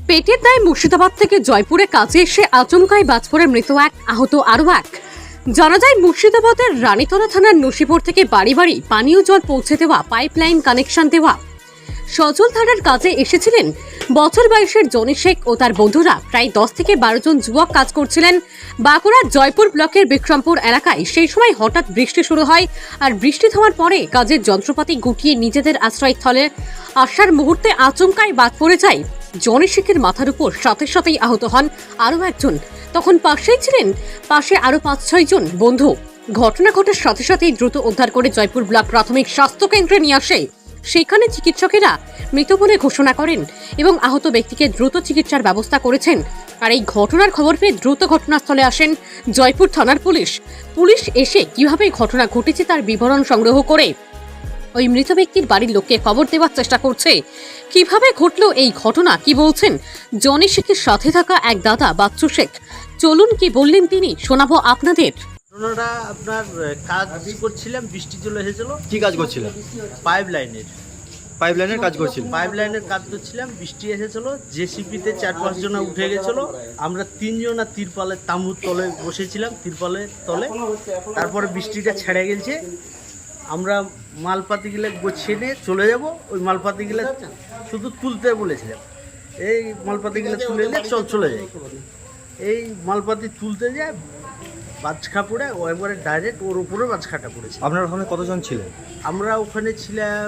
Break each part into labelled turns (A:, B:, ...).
A: পেটের দায়ে মুর্শিদাবাদ থেকে জয়পুরে কাজে এসে আচমকাই বাজ পড়ে মৃত এক, আহত আরও এক। জানা যায় মুর্শিদাবাদের রানীতলা থানার নসিপুর থেকে বাড়ি বাড়ি পানীয় জল পৌঁছে দেওয়া পাইপলাইন কানেকশন দেওয়া সজল থানার কাজে এসেছিলেন বছর বয়সের জনি শেখ ও তার বন্ধুরা। প্রায় 10 থেকে 12 জন যুবক কাজ করছিলেন বাঁকুড়ার জয়পুর ব্লকের বিক্রমপুর এলাকায়। সেই সময় হঠাৎ বৃষ্টি শুরু হয়, আর বৃষ্টি থামার পরে কাজের যন্ত্রপাতি গুটিয়ে নিজেদের আশ্রয়স্থলে আসার মুহূর্তে আচমকাই বাদ পড়ে যায় জনি শেখের মাথার উপর। সাথে সাথেই আহত হন আরও একজন। তখন পাশেই ছিলেন আরও 5-6 জন বন্ধু। ঘটনা ঘটার সাথে সাথেই দ্রুত উদ্ধার করে জয়পুর ব্লক প্রাথমিক স্বাস্থ্য কেন্দ্রে নিয়ে আসে। সেখানে চিকিৎসকেরা মৃত বলে ঘোষণা করেন এবং আহত ব্যক্তিকে দ্রুত চিকিৎসার ব্যবস্থা করেছেন। আর এই ঘটনার খবর পেয়ে দ্রুত ঘটনাস্থলে আসেন জয়পুর থানার পুলিশ। পুলিশ এসে কিভাবে ঘটনা ঘটেছে তার বিবরণ সংগ্রহ করে ওই মৃত ব্যক্তির বাড়ির লোককে খবর দেওয়ার চেষ্টা করছে। কিভাবে ঘটলো এই ঘটনা, কি বলছেন জনি শেখের সাথে থাকা এক দাদা বাচ্চু শেখ, চলুন কি বললেন তিনি শোনাবো আপনাদের।
B: ঘটনাটা আপনার কাজ করছিলাম, বৃষ্টি চলে এসেছিল।
C: কি কাজ করছিলেন?
B: পাইপলাইনের
C: কাজ করছিলেন?
B: পাইপলাইনের কাজ করছিলাম, বৃষ্টি এসেছিল। জেসিপিতে 4-5 জন উঠে গেছিল। আমরা 3 জন তিরপালের তাঁবুর তলে বসেছিলাম, তিরপালের তলে। তারপরে বৃষ্টিটা ছেড়ে গেছে, আমরা মালপাতিগুলো গোছিয়ে নিয়ে চলে যাব। ওই মালপাতিগুলো শুধু তুলতে বলেছিলাম, এই মালপাতিগুলো তুলে নিয়ে চলে যাই। এই মালপাতি তুলতে যায়, বাজখা পড়ে ও একবারে ডাইরেক্ট ওর উপরে বাজখাটা পড়েছে।
C: আপনার ওখানে কতজন ছিলেন?
B: আমরা ওখানে ছিলাম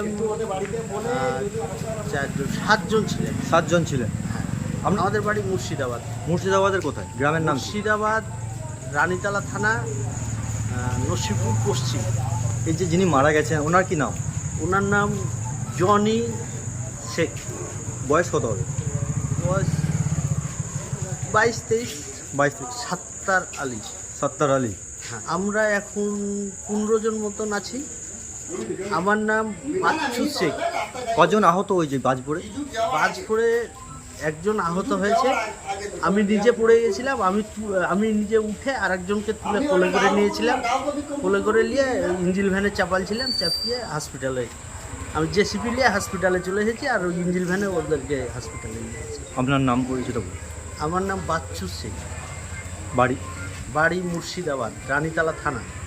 B: 7 জন ছিলেন।
C: 7 জন ছিলেন।
B: আমাদের বাড়ি মুর্শিদাবাদ।
C: মুর্শিদাবাদের কোথায়? গ্রামের নাম কি?
B: মুর্শিদাবাদ রানীতলা থানা, নসিপুর পশ্চিম।
C: এই যে যিনি মারা গেছেন ওনার কি নাম?
B: ওনার নাম জনি শেখ।
C: বয়স কত হবে?
B: বয়স 22-23।
C: 22।
B: সাত্তার আলী।
C: সত্তার আলী।
B: হ্যাঁ, আমরা এখন 15 জন মতন আছি। আমার নাম বাচ্চু শেখ।
C: কজন আহত ওই যে বাজ পড়ে?
B: বাজ পড়ে একজন আহত হয়েছে। আমি নিজে পড়ে গেছিলাম। আমি নিজে উঠে আরেকজনকে তুলে কোলে করে নিয়েছিলাম। কোলে করে নিয়ে ইঞ্জিল ভ্যানে চাপালছিলাম, চাপিয়ে হসপিটালে, আমি জেসিপি নিয়ে হসপিটালে চলে এসেছি। আর ওই ইঞ্জিল ভ্যানে ওদেরকে হসপিটালে নিয়ে এসেছি।
C: আপনার নাম পরিচিত বলুন।
B: আমার নাম বাচ্চু শেখ।
C: বাড়ি?
B: বাড়ি মুর্শিদাবাদ, রানীতলা থানা।